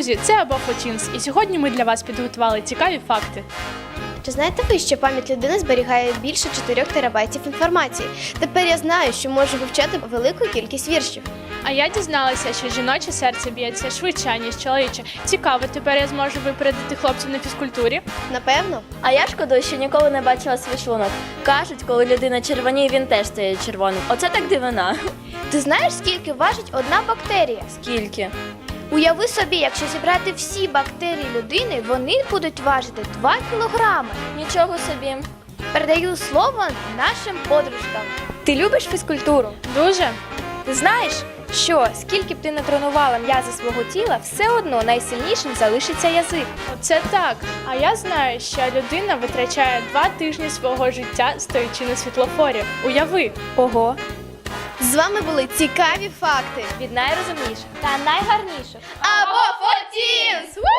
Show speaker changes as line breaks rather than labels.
Друзі, це або Фотінс, і сьогодні ми для вас підготували цікаві факти.
Чи знаєте ви, що пам'ять людини зберігає більше 4 терабайтів інформації? Тепер я знаю, що можу вивчати велику кількість віршів.
А я дізналася, що жіноче серце б'ється швидше, ніж чоловіче. Цікаво, тепер я зможу випередити хлопців на фізкультурі.
Напевно.
А я шкодую, що ніколи не бачила свій шлунок. Кажуть, коли людина червоніє, він теж стає червоним. Оце так дивина.
Ти знаєш, скільки важить одна бактерія?
Скільки?
Уяви собі, якщо зібрати всі бактерії людини, вони будуть важити 2 кілограми.
Нічого собі.
Передаю слово нашим подружкам.
Ти любиш фізкультуру?
Дуже?
Ти знаєш, що скільки б ти не тренувала м'язи свого тіла, все одно найсильнішим залишиться язик.
Оце так. А я знаю, що людина витрачає 2 тижні свого життя, стоячи на світлофорі. Уяви!
Ого,
З вами були цікаві факти.
від найрозумніших.
Та найгарніше.
Або Фотінс!